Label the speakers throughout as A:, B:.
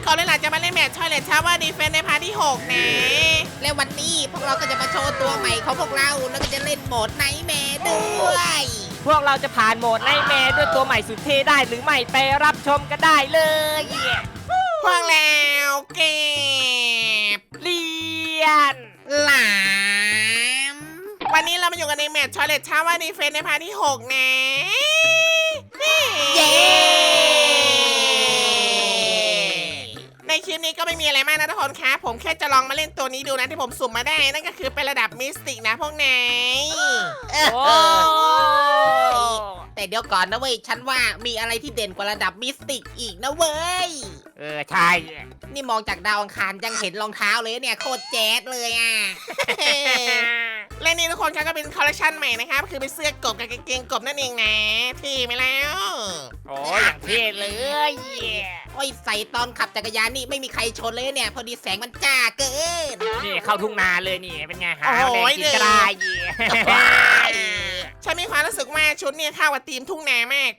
A: ก่อนเลยล่ะจะมาเล่นแมตช์ชอยเลตชาวเวอร์ดีเฟนในพาร์ทที่6นะ
B: และวันนี้พวกเราก็จะมาโชว์ตัวใหม่ของพวกเราแล้วก็จะเล่นโหมดไนท์แมร์ด้วย
C: พวกเราจะผ่านโหมดไนท์แมร์ด้วยตัวใหม่สุดเท่ได้หรือไม่ไปรับชมกันได้เลย
A: พวกแล้วเก็บ
C: เรียน
B: หลาม
A: วันนี้เรามาอยู่กันในแมตช์ชอยเลตชาวเวอร์ดีเฟนในพาร์ทที่6นะ
B: เย้
A: ในคลิปนี้ก็ไม่มีอะไรมากนะทุกคนครับผมแค่จะลองมาเล่นตัวนี้ดูนะที่ผมสุ่มมาได้นั่นก็คือเป็นระดับมิสติกนะพวกนาย
C: โอ้
B: แต่เดี๋ยวก่อนนะเว้ยฉันว่ามีอะไรที่เด่นกว่าระดับมิสติกอีกนะเว้ย
C: ใช่
B: นี่มองจากดาวอังคารยังเห็นรองเท้าเลยเนี่ยโคตรแจ๊ดเลยอ่ะ
A: และนี่ทุกคนครับก็เป็นคอลเลคชันใหม่นะครับคือเป็นเสื้อกบกับกางเกงกบนั่นเองนะที่ไหมแล้ว
C: โอ้อย่างเท่เลย
B: โอ้ยใส่ตอนขับจักรยานนี่ไม่มีใครชนเลยเนี่ย พอดีแสงมันจ้าเกิน
C: นี่เข้าทุ่งนาเลยนี่เป็นไงหาแดงกินก็ได้
A: ฉันมีความรู้สึกว่าชุดเนี่ยเข้ากับธีมทุ่งนามาก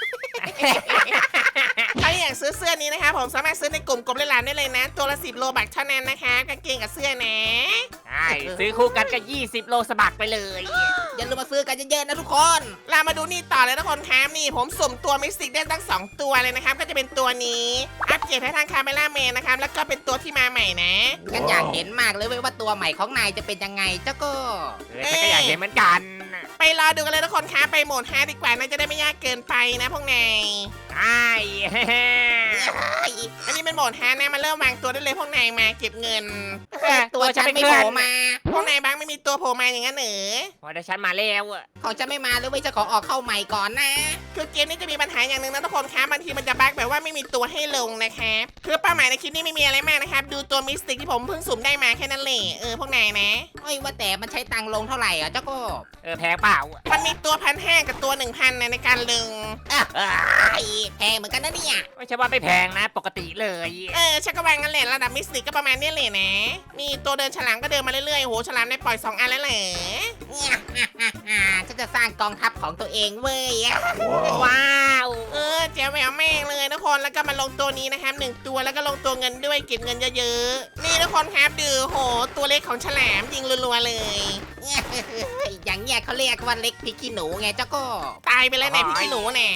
A: ถ้าอยากซื้อเสื้อนี้นะคะผมสามารถซื้อในกลุ่มกบเล่นหลานได้เลยนะตัวละ10 โลบักเท่านั้นนะคะกางเกงกับเสื้อนะ
C: ใช่ซื้อคู่กันก็20 โลสบักไปเลย
B: อย่าลืมมาซื้อกันเยอะๆนะทุกคน
A: เรามาดูนี่ต่อเลยทุกคนครับนี่ผมสุ่มตัวมิสติกได้ตั้ง2ตัวเลยนะครับก็จะเป็นตัวนี้อัปเกรดให้ทางคาเมล่าแมนนะครับแล้วก็เป็นตัวที่มาใหม่นะ
B: ฉันอยากเห็นมากเลยเว้ยว่าตัวใหม่ของนายจะเป็นยังไงเจ้าก็
C: ฉันก็อยากเห็นเหมือนกัน
A: ไปรอดูกันเลยทุกคนครับไปโหมด5ดีกว่าน่าจะได้ไม่ยากเกินไปนะพวกนาย
C: ใช่
A: อันนี้เป็นโหมด5นะมาเริ่มวางตัวได้เลยพวกนายมาเก็บเงิน
B: ตัวฉันไม่โผล่มา
A: พวกนายบ้างไม่มีตัวโผล่มาอย่างนั้นเหรอ
C: พอได้ฉันมาแล้วอะ
B: ของฉันไม่มาเลยเว้ยจะขอออกเข้าใหม่ก่อนนะ
A: คือเกมนี้จะมีปัญหาอย่างหนึ่งนะทุกคนครับบางทีมันจะบั๊กแบบว่าไม่มีตัวให้ลงนะครับคือเป้าหมายในคลิปนี้ไม่มีอะไรมากนะครับดูตัวมิสติกที่ผมเพิ่งสุ่มได้มาแค่นั้นแหละพวกนายนะ
B: โอ้ยว่าแต่มันใช้ตังค์ลงเท่าไหร่อ่ะเจ้าก็
C: แพงเปล่า
A: มันมีตัว1,500กับตัว 1,000นะในการลง
B: แพงเหมือนกันนะเนี่ย
C: ไม่ใช่ว่าไม่แพงนะปกติเลย
A: ชักกระวางกันแหละระดับมิสติกก็ประมาณนี้เลยนะนี่ตัวเดินฉลามก็เดินมาเรื่อยๆโหฉลามได้ปล่อย2 อันแล้วเหรอ
B: ฉันจะสร้างกองทัพของตัวเองเว้ย
C: ว้าว
A: แจ๋วแหววแม่งเลยทุกคนแล้วก็มาลงตัวนี้นะครับ1 ตัวแล้วก็ลงตัวเงินด้วยเก็บเงินเยอะๆนี่ทุกคนครับดูโหตัวเล็กของฉลามยิงรัวๆเลย
B: อย่างเงี้ยเขาเรียกว่าเล็กพริกขี้หนูไงเจ้าก็
A: ตายไปแล้วในพี่ขี้หนูแน่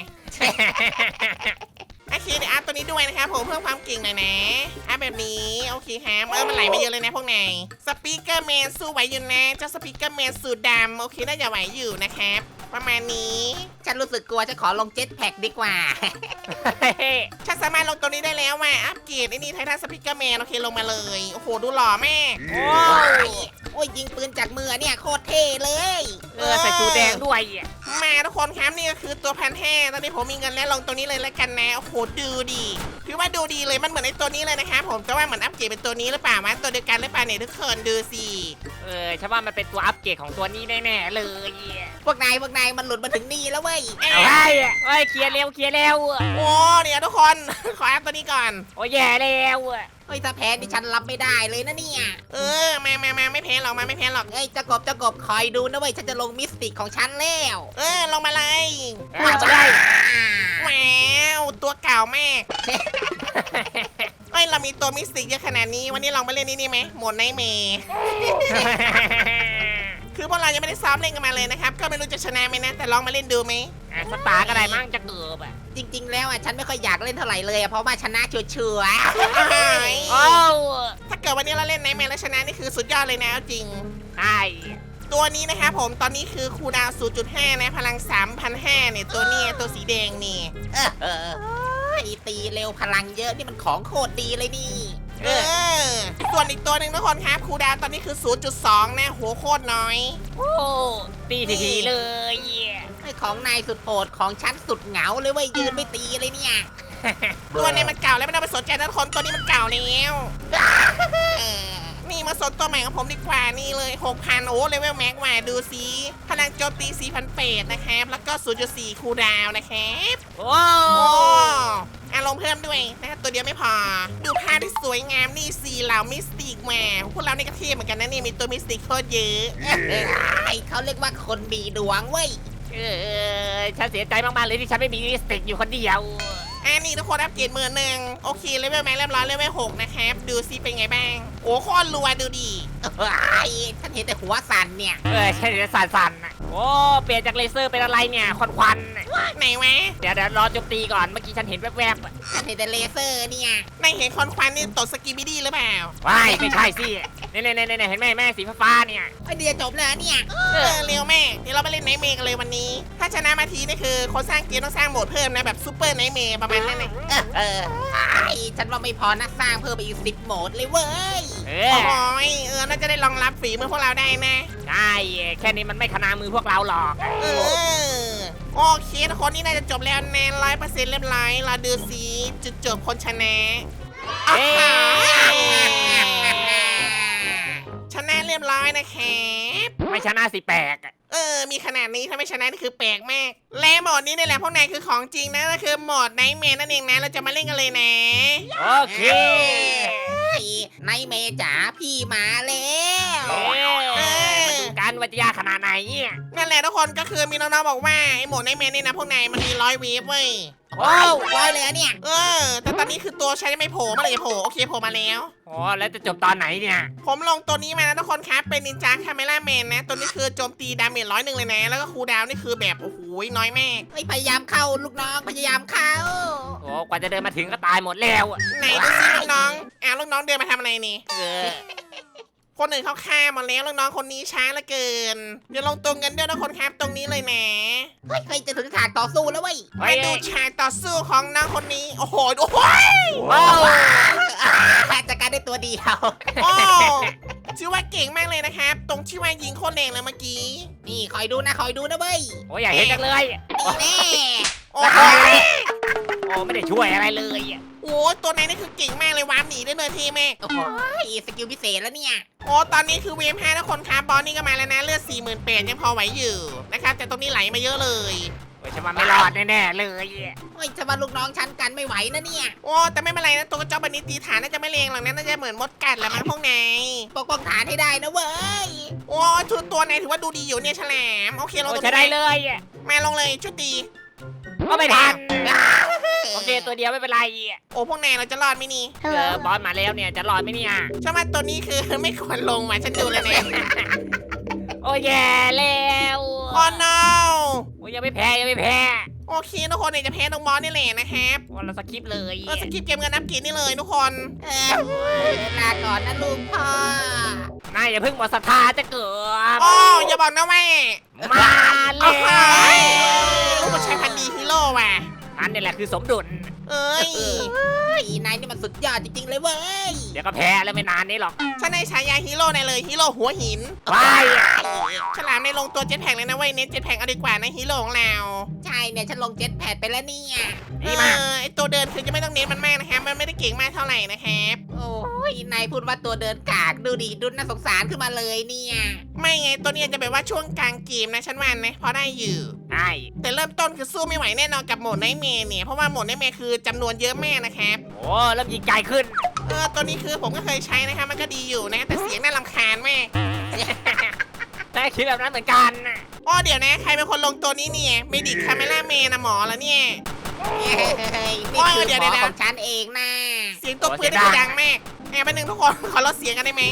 A: โอเคเดี๋ยวอัพตัวนี้ด้วยนะครับผมเพิ่มความเก่งหน่อยนะอัพแบบนี้โอเคครับมันไหลมาเยอะเลยนะพวกนายสปีกเกอร์แมนสู้ไหวอยู่นะเจ้าสปีกเกอร์แมนสูตรดำโอเคน่าจะไหวอยู่นะครับประมาณนี้
B: ฉันรู้สึกกลัวฉันขอลงเจ็ตแพ็กดีกว่า
A: ฉันสามารถลงตัวนี้ได้แล้วว่ะอัปเกรดไอ้นี่ไททันสปีกเกอร์แมนโอเคลงมาเลยโอ้โหดูหล่อแม่
B: โอ้ยยิงปืนจากมือเนี่ยโคตรเท่เลย
C: ใส่ชูแดงด้วย
A: มาทุกคนครับนี่ก็คือตัว1,500ตอนนี้ผมมีเงินแล้วลงตัวนี้เลยแล้วกันนะโอ้โหดูดีคือว่าดูดีเลยมันเหมือนไอ้ตัวนี้เลยนะครับผมแต่ว่าเหมือนอัปเกรดเป็นตัวนี้หรือเปล่าวะตัวเดียวกันหรือเปล่าเนี่ยทุกคนดูสิ
C: ฉันว่ามันเป็นตัวอัปเกรดของตัวนี้แน่ๆเลย
B: พวกนายมันหลุดมาถึงนี่แล้วเว้ย
C: เอาให้เคลียร์เร็ว
A: โอ้เดี๋ยวทุกคน ขออัพตัวนี้ก่อน
C: โอ้แย่แล้ว
B: เฮ้ยถ้าแพ้ดิฉันรับไม่ได้เลยนะเนี่ย
A: มาไม่แพ้หรอกมาไม่แพ้หรอก
B: เอ้ยเจ้ากบคอยดูนะเว้ยฉันจะลงมิสติกของฉันแล้ว
A: ลงมาเลย
C: มาได้
A: ว้าวตัวเก่ามากเรามีตัวมิสติกเยอะขนาดนี้วันนี้ลองมาเล่นนี่ไหมโหมดไนท์แมร์คือพวกเรายังไม่ได้ซ้อมเล่นกันมาเลยนะครับก็ไม่รู้จะชนะไหมนะแต่ลองมาเล่นดูไหม
C: สตาร์ก็ได้มั่งจะเกือบ
B: จริงๆแล้วอ่ะฉันไม่ค่อยอยากเล่นเท่าไหร่เลยอะเพราะว่าชนะชัวร์
C: โอ้
A: ถ้าเกิดวันนี้เราเล่นไนท์แมร์แล้วชนะนี่คือสุดยอดเลยนะเอาจริง
C: ใช่
A: ตัวนี้นะครับผมตอนนี้คือคูลดาวน์ 0.5 นะพลัง 3,500เนี่ยตัวนี้ตัวสีแดงนี่
B: ตีเร็วพลังเยอะนี่มันของโคตรดีเลยนี่
A: ส่วนอีกตัวหนึ่งทุกคนครับคูลดาวน์ตอนนี้คือ 0.2 นะโหโคตรน้อย
C: โอ้ตีทีเลย
B: ไอ้ของนายสุดโหดของฉันสุดเหงาเลยเว้ยยืนไม่ตีเลยเนี่ย
A: ตัวนี้มันเก่าแล้วไม่ต้องไปสนใจนะทุกคนตัวนี้มันเก่าแล้วนี่มาสนตัวใหม่ของผมดีกว่านี่เลย 6,000 โอ้เลเวลแม็กว่าดูสิพลังโจมตี 4,800 นะครับแล้วก็ 0.4 คูลดาวน์นะครับ
C: โอ้
A: อารมณ์เพิ่มด้วยนะครับตัวเดียวไม่พอดูภาพที่สวยงามนี่4เหล่ามิสติกมาพวกเรานี่ก็เทียบเหมือนกันนะนี่มีตัวมิสติกโคตรเยอะ
B: เขาเรียกว่าคนมีดวงเว้ย
C: ฉันเสียใจมากๆเลยที่ฉันไม่มีลิปสติกอยู่คนเดียว
A: นี่ทุกคนอัปเกรด11,000โอเคเลเวลแม็กเรียบร้อยเลเวล6นะครับดูซิเป็นไงบ้างโอ้โคตรรัวดูดิ
B: เฮ้ยฉันเห็นแต่หัวสั่นเนี่ย
C: ใช่เลยสั่นๆน่ะโอ้เปลี่ยนจากเลเซอร์เป็นอะไรเนี่ยควันๆน่ะ
A: ไหนวะ
C: เดี๋ยวรอโจมตีก่อนเมื่อกี้ฉันเห็นแวบๆอะ
B: ฉันเห็นแต่เลเซอร์เนี่ย
A: ในเห็นควันนี่ตดสกีบิดี้หรือเปล่า
C: ว้ายไม่ใช่สิเนี่ยเห็นไหมแม่สีฟ้าๆเนี่ย
B: ไอเดียจบแล้วเนี่ย
A: เร็วแม่เดี๋ยวเราไปเล่นไนท์เมย์กันเลยวันนี้ ถ้าชนะมาทีนี่คือคนสร้างเกมต้องสร้างโหมดเพิ่มนะแบบซูเปอร์ไนท์เมย์ประมาณนั้นเลย
B: ฉันว่าไม่พอนะสร้างเพิ่มไปอีก10โหมดเลยเว้ย
C: เอ
A: โอ้
C: อ
A: ยน่าจะได้รองรับฝีมือพวกเราได้นะ
C: ใช่แค่นี้มันไม่ขนามือพวกเราหรอก
A: เออโอเคทุกคนนี่น่าจะจบแล้วแน่100%เรียบร้อยเราดูสิจุดจบคนชนะ
C: เอ้ย
A: ชนะเรียบร้อยนะครับ
C: ไม่ชนะสิแปลกอะ
A: มีขนาดนี้ถ้าไม่ชนะนี่คือแปลกมาก และโหมดนี้นี่แหละพวกนายคือของจริงนะก็คือโหมดไนท์แมร์นั่นเองนะเราจะมาเล่นกันเลยนะ
C: โอเค
B: ในเมจ๋าพี่มาแล้ว
C: มาดูกันว่าจะยากขนาดไหนเนี่ย
A: นั่นแหละทุกคนก็คือมีน้องๆบอกว่าไอ้โหมดไนท์แมร์นี่นะพวกนายมันมี100 วีฟเว้ย
B: ว้าวร้อยเลยอะเนี่ย
A: แต่ตอนนี้คือตัวใช้ไม่โผล่เมื่อไหร่จะโผล่โอเคโผล่มาแล้ว
C: โอ้แล้วจะจบตอนไหนเนี่ย
A: ผมลงตัวนี้มานะทุกคนครับเป็นนินจาคาเมล่าแมนนะตัวนี้คือโจมตีดาเมจ101เลยนะแล้วก็คูลดาวน์นี่คือแบบโอ้โหน้อยมาก
B: พยายามเข้าลูกน้องพยายามเข้า
C: โอ้กว่าจะเดินมาถึงก็ตายหมดแล้วอะ
A: ไหนดูซิลูกน้องลูกน้องเดินมาทำอะไรนี่
C: เออ
A: คนอื่นเขาฆ่าหมดแล้วลูกน้องคนนี้ช้าเหลือเกินเดี๋ยวลงตัวกันด้วยนะคนครับตรงนี้เลยนะ
B: เฮ้ยเคยจะถึงฉากต่อสู้แล้วเว้ย
A: มาดูฉากต่อสู้ของน้องคนนี้โอ้โหโอ้โห
C: ว้าว
B: จัดการได้ตัวเดียว
A: โอ้ชื่อว่าเก่งมากเลยนะครับตรงที่ว่ายิงโคตรแรงเลยเมื่อกี้
B: นี่คอยดูนะเว้ย
C: โอ้อยากเห็นจังเลย
B: นี่แน่
A: โอ้โห
C: โอ้ไม่ได้ช่วยอะไรเลยอะ
A: โอ้ตัวไหนนี่คือเก่งมากเลยวาร์ปหนีได้เลยทีแม่
B: โอ้โหสกิลพิเศษแล้วเนี่ย
A: โอ้ตอนนี้คือเวฟ5ทุกคนครับบอสนี่ก็มาแล้วนะเลือด48,000ยังพอไหวอยู่นะครับแต่ตรงนี้ไหลมาเยอะเลย
C: โอ้ยฉันว่าไม่รอดแน่ๆเลยอะ
B: เฮ้ยจะมาลูกน้องฉันกันไม่ไหวนะเนี่ย
A: โอ้แต่ไม่เป็นไรนะตัวกระจอกบันนี้ตีฐานน่าจะไม่เลงหรอกนะน่าจะเหมือนมดกัดแหละมั้งพวกนาย
B: ปกป้องฐานให้ได้นะเว้ย
A: โอ้ชุดตัวไหนถือว่าดูดีอยู่เนี่ยฉลามโอเคลง
C: โอ้
A: ตรง
C: ใช้ได้
A: นี้
C: เลยอะ
A: มาลงเลยชุดดี
C: ก็ไม่ทันโอเคตัวเดียวไม่เป็นไรอะ
A: โอ้พวกนายเราจะรอดไหมนี่
C: บอสมาแล้วเนี่ยจะรอดไหมเนี่ย
A: ฉันว่าตัวนี้คือ ไม่ควรลงว่ะฉันดูเลยนะ
C: โอ้แย่แล้ว
A: โอ้ no
C: โอ้ยังไม่แพ้
A: โอเคทุกคนเนี่ยจะแพ้ตรงบอสนี่แหละนะครับ
C: โอ้เราสคิปเลย
A: สกิปเกมเงินนับกินนี่เลยทุกคน
B: ลาก่อนนะลูกพ่อน
C: ายอย่าเพิ่งหมดศรัทธาจะเกิด
A: โอ้อย่าบอกนะแม่
C: มาแล้
A: โอ้
C: ว
A: โหลูกผู้ชายพันธุ์ดีฮีโร่ว่ะ
C: นั่นนี่แหละคือสมดุล
A: เอ้ย
B: นายนี่มันสุดยอดจริงๆเลยเว้ย
C: เดี๋ยวก็แพ้แล้วไม่นานนี้หรอก
A: ฉันในฉายาฮีโร่ในเลยฮีโร่หัวหิน
C: ว้าย
A: ฉลามในลงตัวเจ็ตแพ็กเลยนะเว้ยเน้นเจ็ตแพ็กเอาดีกว่านะฮีโร่ของเรา
B: ใช่เนี่ยฉันลงเจ็ตแพดไปแล้วเนี่ย
C: ดีมาก
A: ไอตัวเดินคือจะไม่ต้องเน้นมันมากนะครับมันไม่ได้เก่งมากเท่าไหร่นะครับ
B: โอ้ยนายพูดว่าตัวเดินกากดูดิดุนน่าสงสารขึ้นมาเลยเนี่ย
A: ไม่ไงตัวนี้จะแบบว่าช่วงกลางเกมนะฉันว่านะพอได้อยู่
C: ใช่
A: แต่เริ่มต้นคือสู้ไม่ไหวแน่นอนกับโหมดไนท์แมร์เนี่ยเพราะว่าโหมดไนท์แมร์คือจำนวนเยอะมากนะครับ
C: โอ้เริ่มยิงไกลขึ้น
A: ตัวนี้คือผมก็เคยใช้นะครับมันก็ดีอยู่นะแต่เสียงน่ารำคาญมาก
C: แต่คิดแบบนั้นเหมือนกันน่ะ
A: อ๋อเดี๋ยวนะใครเป็นคนลงตัวนี้เนี่ยเมดิคคาเมล่าเมนะหมอแล้วเนี่ย
B: นี่คือหมอของฉันเองนะ
A: เสียงตัวปืนนี่ดังมากแป๊บนึงทุกคนขอลดเสียงกันได้ไหม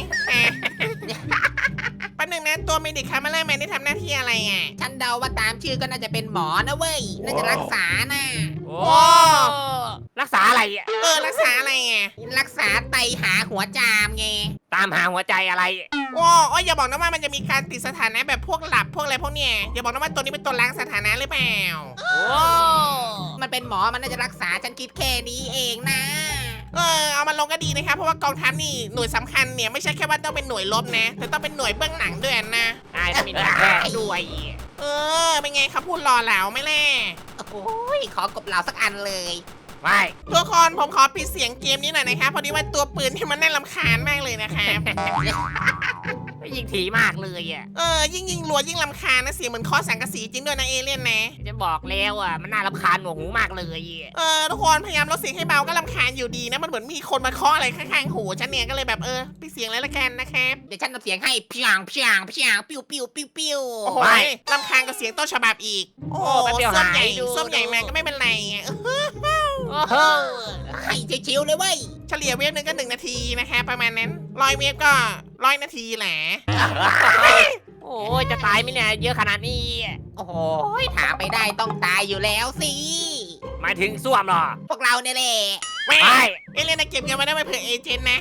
A: แป๊บนึงนะตัวเมดิคคาเมล่าเมนได้ทำหน้าที่อะไรอ่ะ
B: ฉันเดาว่าตามชื่อก็น่าจะเป็นหมอนะเว้ยน่าจะรักษานะ
C: โอ้รักษาอะไรอ่ะ
A: รักษาอะไรอ่ะ
B: รักษาไตหาหัวจามไง
C: ตามหาหัวใจอะไร
A: โอ้อย่าบอกนะว่ามันจะมีการติดสถานะแบบพวกหลับพวกอะไรพวกเนี้ยอย่าบอกนะว่าตัวนี้เป็นตัวล้างสถานะหรือเปล่า
C: โอ้
B: มันเป็นหมอมันน่าจะรักษาฉันคิดแค่นี้เองนะ
A: เอามาลงก็ดีนะครับเพราะว่ากองทัพนี่หน่วยสำคัญเนี่ยไม่ใช่แค่ว่าต้องเป็นหน่วยรบนะแต่ต้องเป็นหน่วยเบื้องหลังด้วยนะ
C: นายต้องมีหน่วยแพทย์ด้วย
A: เป็นไงครับพูดรอเหลาไหม่แล่
B: โอ้ยขอกบเหล่าสักอันเลย
C: ไม่
A: ทุกคนผมขอปิดเสียงเกมนี้หน่อยนะครับพอดีว่าตัวปืนที่มันน่ารำคาญมากเลยนะครับ
C: ยิงถี่มากเลยอ่ะ
A: ยิ่งรัวยิ่งรำคาญนะเสียงเหมือนเคอสังกะสีจริงด้วยนะเอเลี่ยนนะ
C: จะบอกแล้วอ่ะมันน่ารำคาญหนวกหูมากเลย
A: ทุกคนพยายามลดเสียงให้เบาก็รำคาญอยู่ดีนะมันเหมือนมีคนมาเคาะอะไรข้างๆหูฉันเนี่ยก็เลยแบบปิดเสียงเลยละกันนะครับ
B: เดี๋ยวฉันทำเสียงให้เพียงปิ้วปิ้วปิ้วปิ้ว
A: โอ้โหรำคาญกับเสียงต้นฉบับอีกโอ้ส้มใหญ่มาก็ไม่เป็นไร
C: โอ้โห
B: ให้ชิวๆเลยเว้ย
A: เฉลี่ยเวฟหนึ่งก็1 นาทีนะคะประมาณนั้น100 เวฟก็100 นาทีแหละ
C: โอ้ยจะตายไหมเนี่ยเยอะขนาดนี้
B: โอ้โหถามไปได้ต้องตายอยู่แล้วสิ
C: หมายถึงส้วมเหรอ
B: พวกเราเนี่ยแหละ
A: แม่
C: ใช่
A: เอเลี่ยนนะเก็บเงินมาได้ไปเผื่อเอเจนต์นะ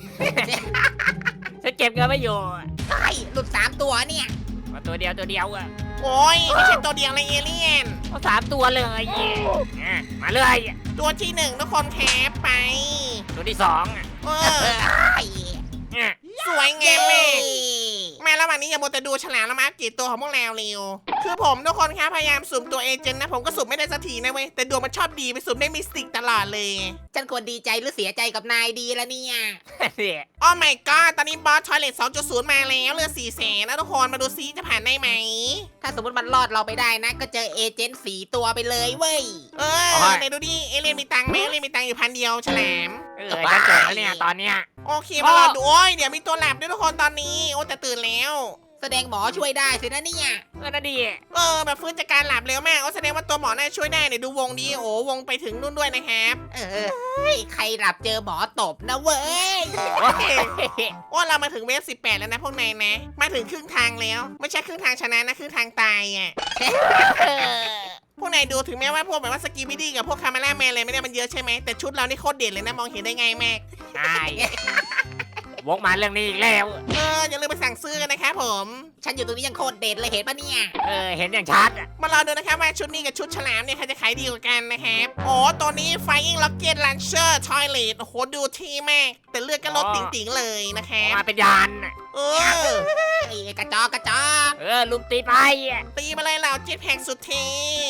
C: ฉันเก็บเงินไม่อยู่
B: เฮ้ยหลุด3 ตัวเนี่ย
C: มาตัวเดียวอะ
A: โอ้ยไม่ใช่ตัวเดียวเลยเอเลี่ยน
C: เอา3 ตัวเลยมาเลย
A: ตัวที่1ทุกคนแคปไป
C: ตัวที่2อ่ะ
A: เออ
B: เฮ้ย
A: สวยงา
B: เย้
A: มแม่แม่ระหว่างนี้อย่ามัวแต่ดูฉลามแล้วมาอัปเกรดตัวของพวกเราเร็วคือผมทุกคนครับพยายามสุ่มตัวเอเจนต์นะผมก็สุ่มไม่ได้สักทีนะเว้ยแต่ดวงมันชอบดีไปสุ่มได้มิสติกตลอดเลย
B: ฉันควรดีใจหรือเสียใจกับนายดีละเนี่ย
C: เนี่ย
A: โอ้ my god ตอนนี้บอสทอยเลท 2.0 มาแล้วเหลือ400,000นะทุกคนมาดูซิจะผ่านได้ไหม
B: ถ้าสมมติมันรอดเราไปได้นะ ก็เจอเอเจนต์4 ตัวไปเลยเว้ย
A: เออไหนดูดิเอเลียนมีตังค์ไหมเอเลียนมีตังค์อยู่1,000ฉลาม
C: ฉันเจอแล้วเนี่ยตอนเนี้ย
A: โอเคมารอดูโอ้ยเดี๋ยวมีตัวหลับด้วยทุกคนตอนนี้โอ้แต่ตื่นแล้ว
B: แสดงหมอช่วยได้สินะเนี่ย
C: น่าดี
A: แบบฟื้นจากการหลับเร็วมากโอ้แสดงว่าตัวหมอน่าช่วยได้เนี่ยดูวงดีโอ้วงไปถึงนู่นด้วยนะครับ
B: ใครหลับเจอหมอตบนะเว้ย
A: โอ้เรามาถึงเวฟ18แล้วนะพวกนายนะ มาถึงครึ่งทางแล้วไม่ใช่ครึ่งทางชนะนะครึ่งทางตายอ่ะพวกนายดูถึงแม้ว่าพวกแบบว่าสกีบิดี้กับพวกคาร์มาล่าแมนอะไรไม่ได้มันเยอะใช่ไหมแต่ชุดเรานี่โคตรเด่นเลยนะมองเห็นได้ไงแม่
C: ใช่วกมาเรื่องนี้อีกแล้ว
A: อย่าลืมไปสั่งซื้อกันนะครับผม
B: ฉันอยู่ตรงนี้ยังโคตรเด็ดเลยเห็นปะเนี่ย
C: เห็นอย่างชัดอ่ะ
A: มารอดูนะครับว่าชุดนี้กับชุดฉลามเนี่ยใครจะขายดีกว่ากันนะครับโอ้ตัวนี้ Flying Rocket Launcher Toilet โอ้โหดูที่มากแต่เลือดก็ลดติ๋งๆเลยนะครับ
C: มาเป็นยาน
A: เออ
B: ไอ้กระจอกกระจอก
C: ลุมตีไป
A: ตีมาเลยเหล่าเจ็ตแพ็กสุดเท่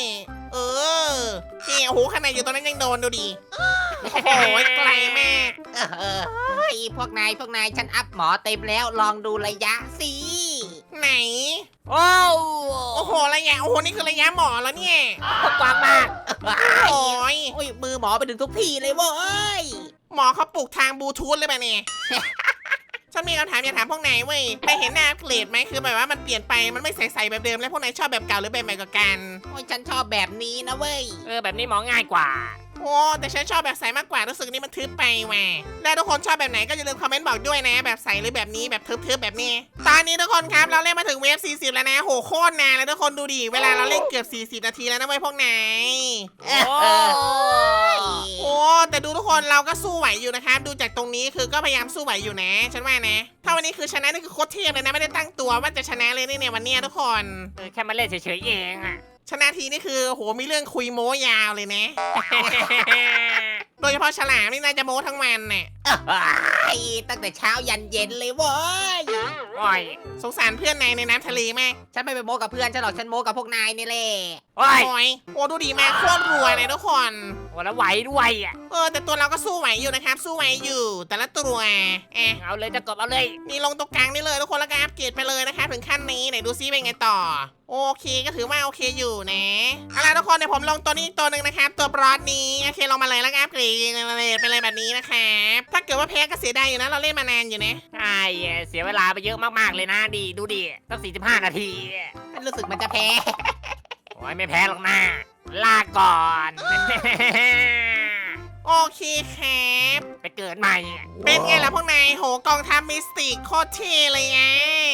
A: นี่โอ้โหขนาดอยู่ตรงนั้นยังโดนดูดิโอ้โหไกลมาก
B: พวกนายฉันอัพหมอเต็มแล้วลองดูระยะสิ
A: ไหน
C: โอ้
A: โอ้โหระยะโอ้โหนี่คือระยะหมอแล้วเนี่ย
C: กว้างมาก
A: โอ้ย
B: โอ้ยมือหมอไปถึงทุกที่เลยเว้ย
A: หมอเขาปลูกทางบลูทูธเลยป่ะเนี่ย ฉันมีคำถามอยากถามพวกนายเว้ยไปเห็นหน้าอัปเกรดไหมคือแบบว่ามันเปลี่ยนไปมันไม่ใสๆแบบเดิมแล้วพวกนายชอบแบบเก่าหรือแบบใหม่กว่ากัน
B: โอ้ยฉันชอบแบบนี้นะเว้ย
C: แบบนี้หมอง่ายกว่า
A: โอ้แต่ฉันชอบแบบใสมากกว่ารู้สึกนี่มันทึบไปว่ะแล้วทุกคนชอบแบบไหนก็อย่าลืมคอมเมนต์บอกด้วยนะแบบใสหรือแบบนี้แบบทึบๆแบบนี้ตอนนี้ทุกคนครับเราเล่นมาถึงเวฟ40แล้วนะโหโคตรนานแล้วทุกคนดูดิเวลาเราเล่นเกือบ40 นาทีแล้วนะเว้ยพวกนาย โอ้แต่ดูทุกคนเราก็สู้ไหวอยู่นะครับดูจากตรงนี้คือก็พยายามสู้ไหวอยู่นะฉันว่านะถ้าวันนี้คือชนะนี่คือโคตรเทพเลยนะไม่ได้ตั้งตัวว่าจะชนะเลยเนี่ยวันเนี้ยทุกคน
C: แค่มาเล่นเฉยๆเองอ่ะ
A: ชนะทีนี่คือโหมีเรื่องคุยโม้ยาวเลยนะ โดยเฉพาะฉลามนี่น่าจะโม้ทั้งวันน่ะ
B: ตั้งแต่เช้ายันเย็นเลยเว้ย
C: โอ้ย
A: สงสารเพื่อนนายในน้ำทะเลมาก
B: ฉันไม่ไปโม้กับเพื่อนฉันหรอกฉันโม้กับพวกนายนี่แหละ
C: โอ้ย
A: โอ้ยโอ้ดูดีมากโคตรรวยเลยทุกคน
C: แล้วไหวด้วยอ่ะ
A: แต่ตัวเราก็สู้ไหวอยู่นะครับสู้ไหวอยู่ แต่ละตัว
C: เอาเลยจะกบเอาเลย
A: นี่ลงตรงกลางนี่เลยทุกคนแล้วก็อัปเกรดไปเลยนะครับถึงขั้นนี้ไหนดูซิเป็นไงต่อ โอเคก็ถือว่าโอเคอยู่นะเอาล่ะทุกคนเดี๋ยวผมลงตัวนี้ตัวหนึ่งนะครับตัวบรอดนี้โอเคลงมาเลยแล้วก็อัปเกรดไปเลยแบบนี้นะครับถ้าเกิดว่าแพ้ก็เสียดายอยู่นะเราเล่นมานานอยู่นะ
C: ใช่เสียเวลาไปเยอะมากๆเลยนะดีดูดิตั้ง45 นาที
B: ฉันรู้สึกมันจะแพ้
C: โอ้ยไม่แพ้หรอกนะลาก่อน
A: โอเคครับ
C: ไปเกิดใหม่
A: เป็นไงล่ะพวกนายโหกองทัพมิสติกโคตรเท่เลยไง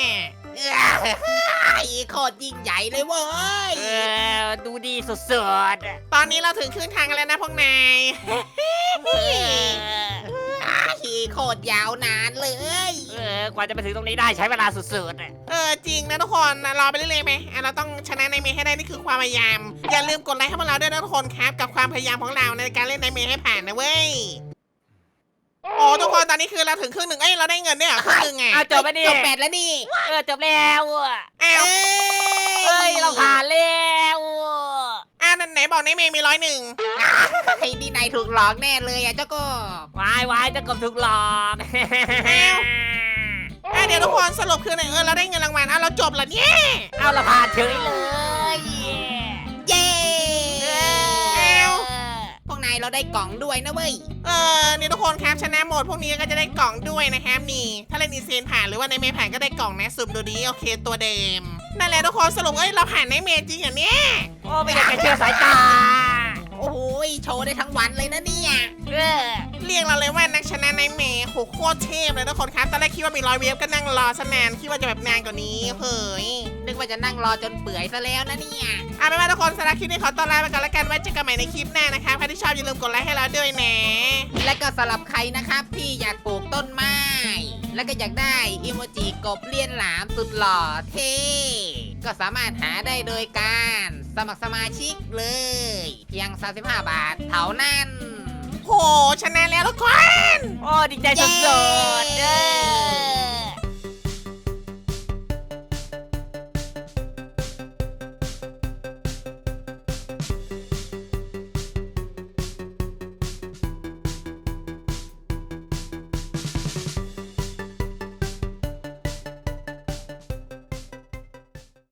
B: โคตรยิ่งใหญ่เลยเว้ย
C: ดูดีสุดๆ
A: ตอนนี้เราถึงครึ่งทางกันแล้วนะพวกนาย
B: โคตรยาวนานเลย
C: กว่าจะไปถึงตรงนี้ได้ใช้เวลาสุดๆ
A: จริงนะทุกคนรอไปเรื่อยๆไหมเราต้องชนะในเมย์ให้ได้นี่คือความพยายาม อย่าลืมกดไลค์ให้พวกเราด้วยนะทุกคนครับกับความพยายามของเราในการเล่นในเมย์ให้ผ่านนะเว้ยโอ้ทุกคนตอนนี้คือเราถึงครึ่งหนึ่งเราได้เงินด้วยเหรอครึ่งหนึ่งไง
C: เอาจบไปดิ
B: จบ8แล้วนี่
C: จบแล้วอ่ะ
A: อ้าว
C: เราผ่านแล้ว
A: ไหนบอกในเมย์มี101
B: ไอ้นี่นายถูกหลอกแน่เลยอ่ะเจ้าก็
C: วายจะกบถูกหลอก
A: เดี๋ยวทุกคนสรุปคือไหนเราได้เงินรางวัลเราจบแล้วเนี่ย
C: เอาเราผ่านเฉยเลย
B: เย้พวกนายเราได้กล่องด้วยนะเว้ย
A: นี่ทุกคนครับชนะหมดพวกนี้ก็จะได้กล่องด้วยนะครับนี่ถ้าเล่นอีเซนผ่านหรือว่าในเมย์ผ่านก็ได้กล่องนะสุ่มดูดีโอเคตัวเดิมนั่นแหละทุกคนสรุปเราผ่านในเมย์จริงอย่างเนี้ย
C: โอ้ไม่อยากจะเชื่อสายตา
A: โ
B: โอ้โหโชว์ได้ทั้งวันเลยนะเนี่ย
C: เออ
A: เรียกเราเลยว่านักชนะในเมย์โหโคตรเทพเลยทุกคนครับตอนแรกคิดว่ามี100 เวฟก็นั่งรอซะนานคิดว่าจะแบบนานกว่านี้เฮ้ย
B: นึกว่าจะนั่งรอจนเปื่อยซะแล้วนะเนี่ย
A: เอาเป็นว่าทุกคนสำหรับคลิปนี้ขอต้อนรับไปก่อนแล้วกันไว้เจอกันใหม่ในคลิปหน้านะครับใครที่ชอบอย่าลืมกดไลค์ให้เราด้วยนะ
B: และก็สำหรับใครนะครับที่อยากปลูกต้นไม้ แล้วก็อยากได้อิโมจิกบเลียนหลามสุดหล่อเท่ก็สามารถหาได้โดยการสมัครสมาชิกเลย เพียง 35 บาทเท่านั้น
A: โหชนะแล้วทุกคน
C: โอ้ดีใจสุดๆเออ